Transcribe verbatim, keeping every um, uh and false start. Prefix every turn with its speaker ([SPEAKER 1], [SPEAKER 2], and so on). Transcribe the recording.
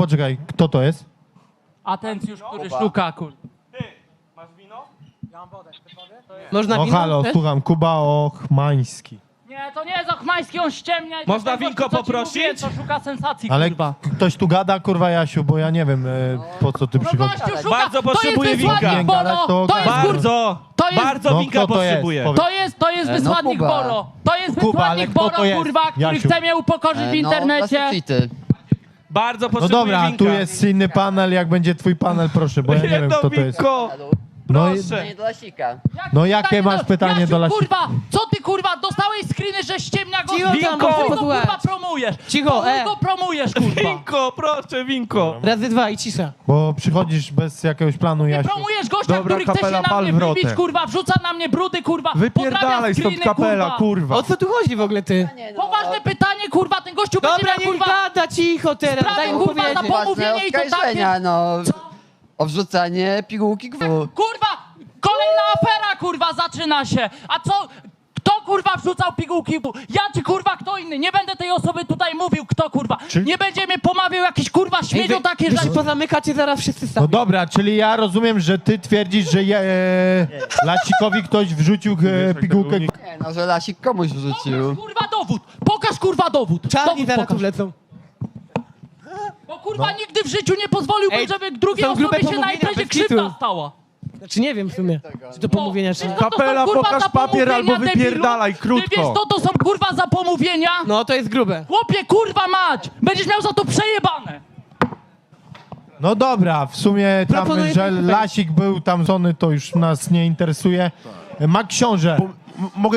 [SPEAKER 1] poczekaj, kto to jest?
[SPEAKER 2] Atencjusz, który szuka, kur...
[SPEAKER 3] Można
[SPEAKER 1] No
[SPEAKER 3] wino?
[SPEAKER 1] halo,
[SPEAKER 3] Też?
[SPEAKER 1] słucham, Kuba Ochmański.
[SPEAKER 2] Nie, to nie jest Ochmański, on ściemnia. i
[SPEAKER 4] Można
[SPEAKER 2] ten gościu,
[SPEAKER 4] winko
[SPEAKER 2] co ci
[SPEAKER 4] poprosić?
[SPEAKER 2] mówiłem, To szuka sensacji,
[SPEAKER 1] Ale
[SPEAKER 2] kurwa.
[SPEAKER 1] ktoś tu gada, kurwa, Jasiu, bo ja nie wiem, e, po co ty
[SPEAKER 2] No
[SPEAKER 1] przychodzisz.
[SPEAKER 2] gościu szuka,
[SPEAKER 4] Bardzo
[SPEAKER 2] to jest
[SPEAKER 4] potrzebuję
[SPEAKER 2] wysłannik
[SPEAKER 4] winka.
[SPEAKER 1] Nie gadać,
[SPEAKER 2] Boro,
[SPEAKER 1] to
[SPEAKER 2] to jest
[SPEAKER 1] ogarnij.
[SPEAKER 2] kur...
[SPEAKER 4] Bardzo,
[SPEAKER 2] To jest-
[SPEAKER 4] bardzo
[SPEAKER 1] No,
[SPEAKER 4] winka
[SPEAKER 1] kto to jest?
[SPEAKER 4] potrzebuję.
[SPEAKER 1] Powiedz.
[SPEAKER 2] To jest, to jest
[SPEAKER 5] E, no,
[SPEAKER 2] wysłannik
[SPEAKER 5] Kuba.
[SPEAKER 2] Boro. To jest
[SPEAKER 1] Kuba, ale
[SPEAKER 2] wysłannik
[SPEAKER 1] kto
[SPEAKER 2] Boro,
[SPEAKER 1] to jest?
[SPEAKER 2] kurwa, który
[SPEAKER 1] Jasiu.
[SPEAKER 2] chce mnie upokorzyć w
[SPEAKER 5] E,
[SPEAKER 2] internecie.
[SPEAKER 5] No, cheaty.
[SPEAKER 4] Bardzo
[SPEAKER 1] No
[SPEAKER 4] potrzebuję
[SPEAKER 1] dobra,
[SPEAKER 4] winka.
[SPEAKER 1] tu jest inny panel, jak będzie twój panel, proszę, bo ja nie wiem,
[SPEAKER 4] Jedno
[SPEAKER 1] kto to jest.
[SPEAKER 4] winko,
[SPEAKER 1] No, i-
[SPEAKER 4] proszę.
[SPEAKER 5] Nie do Lasika.
[SPEAKER 2] Jakie
[SPEAKER 1] No, jakie
[SPEAKER 2] pytanie
[SPEAKER 1] masz pytanie
[SPEAKER 2] Jasiu,
[SPEAKER 1] do Lasi-
[SPEAKER 2] kurwa, co ty kurwa, dostałeś screeny, że ściemnia go...
[SPEAKER 3] Cicho tam,
[SPEAKER 2] Winko,
[SPEAKER 3] bo chcę
[SPEAKER 2] chuj go,
[SPEAKER 3] posłuchać.
[SPEAKER 2] kurwa promujesz.
[SPEAKER 3] Cicho,
[SPEAKER 2] Po chuj
[SPEAKER 3] e.
[SPEAKER 2] go promujesz, kurwa.
[SPEAKER 4] Winko, proszę, winko.
[SPEAKER 3] Razy dwa i cisza.
[SPEAKER 1] Bo przychodzisz bez jakiegoś planu,
[SPEAKER 2] Nie
[SPEAKER 1] Jasiu.
[SPEAKER 2] promujesz gościa,
[SPEAKER 6] Dobra,
[SPEAKER 2] który chce się
[SPEAKER 6] kapela,
[SPEAKER 2] na
[SPEAKER 6] pal
[SPEAKER 2] mnie
[SPEAKER 6] wrotę.
[SPEAKER 2] wybić, kurwa, wrzuca na mnie brudy, kurwa,
[SPEAKER 6] Wypierdalaj
[SPEAKER 2] podrabia
[SPEAKER 6] stąd
[SPEAKER 2] screeny,
[SPEAKER 6] kapela,
[SPEAKER 2] kurwa.
[SPEAKER 6] kurwa.
[SPEAKER 3] O co tu chodzi w ogóle, ty?
[SPEAKER 2] Poważne pytanie, kurwa, ten gościu będzie
[SPEAKER 3] Dobra,
[SPEAKER 2] miał,
[SPEAKER 3] niech
[SPEAKER 2] kurwa...
[SPEAKER 3] gada, cicho teraz,
[SPEAKER 2] Sprawę,
[SPEAKER 3] daj mu
[SPEAKER 2] kurwa,
[SPEAKER 3] powiedzieć.
[SPEAKER 2] na pomówienie i to
[SPEAKER 5] oskarżenia, no. O wrzucanie pigułki gwu.
[SPEAKER 2] Kurwa, kolejna afera, kurwa, zaczyna się. A co... Kto, kurwa, wrzucał pigułki? Ja czy, kurwa, kto inny? Nie będę tej osoby tutaj mówił, kto, kurwa.
[SPEAKER 1] Czy-
[SPEAKER 2] Nie będzie mnie pomawiał jakiś, kurwa,
[SPEAKER 3] Ej,
[SPEAKER 2] śmiedzią
[SPEAKER 3] wy,
[SPEAKER 2] takie
[SPEAKER 3] wy
[SPEAKER 2] rzeczy.
[SPEAKER 3] się pozamykacie zaraz wszyscy
[SPEAKER 1] No
[SPEAKER 3] sami.
[SPEAKER 1] dobra, czyli ja rozumiem, że ty twierdzisz, że je, e, Lasikowi ktoś wrzucił e, pigułkę.
[SPEAKER 5] Nie, no, że Lasik komuś wrzucił.
[SPEAKER 2] Pokaż, kurwa, dowód. Pokaż, kurwa, dowód.
[SPEAKER 3] Czarni
[SPEAKER 2] Dowód
[SPEAKER 3] zaraz tu
[SPEAKER 2] pokaż.
[SPEAKER 3] wlecą.
[SPEAKER 2] Bo, kurwa, nigdy w życiu nie pozwoliłbym,
[SPEAKER 3] Ej,
[SPEAKER 2] żeby drugiej
[SPEAKER 3] są grube
[SPEAKER 2] osobie się na
[SPEAKER 3] pomówienia,
[SPEAKER 2] imprezie
[SPEAKER 3] bez kitu.
[SPEAKER 2] krzywda stała.
[SPEAKER 3] Znaczy nie wiem w sumie, czy to pomówienia, czy nie.
[SPEAKER 2] Wiesz, co to są,
[SPEAKER 6] Kapela,
[SPEAKER 2] kurwa,
[SPEAKER 6] pokaż
[SPEAKER 2] za
[SPEAKER 6] papier albo
[SPEAKER 2] pomówienia,
[SPEAKER 6] wypierdalaj,
[SPEAKER 2] debilu? Ty
[SPEAKER 6] krótko.
[SPEAKER 2] wiesz, co to są, kurwa, za pomówienia?
[SPEAKER 3] No to jest grube.
[SPEAKER 2] Chłopie, kurwa mać! Będziesz miał za to przejebane!
[SPEAKER 1] No dobra, w sumie tam,
[SPEAKER 3] Proponuję
[SPEAKER 1] że
[SPEAKER 3] tak.
[SPEAKER 1] Lasik był tam żony, to już nas nie interesuje. Ma książę.
[SPEAKER 6] M- Mogę